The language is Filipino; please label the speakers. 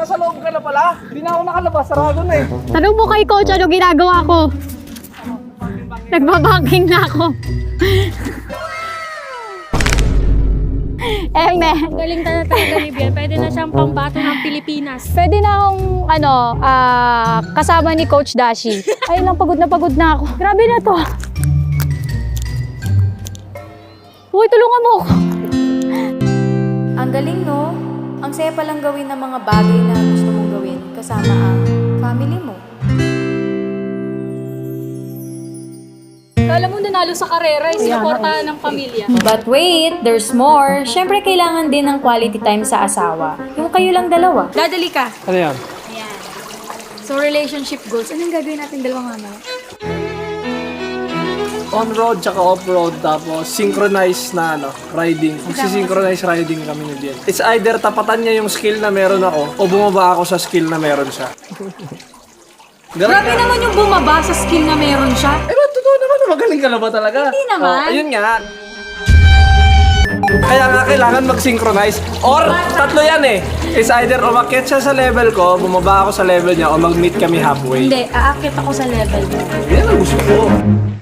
Speaker 1: nasa loob ka na pala. Hindi na ako nakalabas, sarado na eh.
Speaker 2: Tanong mo kay coach ano ginagawa ko. Nagbabanking na ako.
Speaker 3: Galing talaga ni Bian. Pwede na siyang pambato ng Pilipinas.
Speaker 2: Pwede na akong kasama ni Coach Dashi. Ay lang, pagod na ako. Grabe na to. Uy, tulungan mo ako.
Speaker 4: Ang galing, no? Ang saya palang gawin ng mga bagay na gusto mong gawin kasama ang family mo.
Speaker 3: Kala mo nanalo sa karera, sinuportahan ng pamilya.
Speaker 4: But wait, there's more. Siyempre, kailangan din ng quality time sa asawa. Yung kayo lang dalawa.
Speaker 3: Dadali ka.
Speaker 1: Ano yan?
Speaker 3: Ayan. So, relationship goals. Anong gagawin natin dalawang mamaya?
Speaker 1: On-road tsaka off-road, tapos synchronized na riding. Magsisynchronize riding kami ni Bian. It's either tapatan niya yung skill na meron ako o bumaba ako sa skill na meron siya.
Speaker 3: Grabe naman yung bumaba sa skill na meron siya.
Speaker 1: Pero totoo naman, magaling ka na ba talaga?
Speaker 3: Hindi naman.
Speaker 1: Oh, ayun nga. Kaya nga kailangan mag-synchronize. Or, tatlo yan eh. It's either umakyat siya sa level ko, bumaba ako sa level niya, o mag-meet kami halfway.
Speaker 3: Hindi, aakit ako sa level.
Speaker 1: Yan ang gusto ko.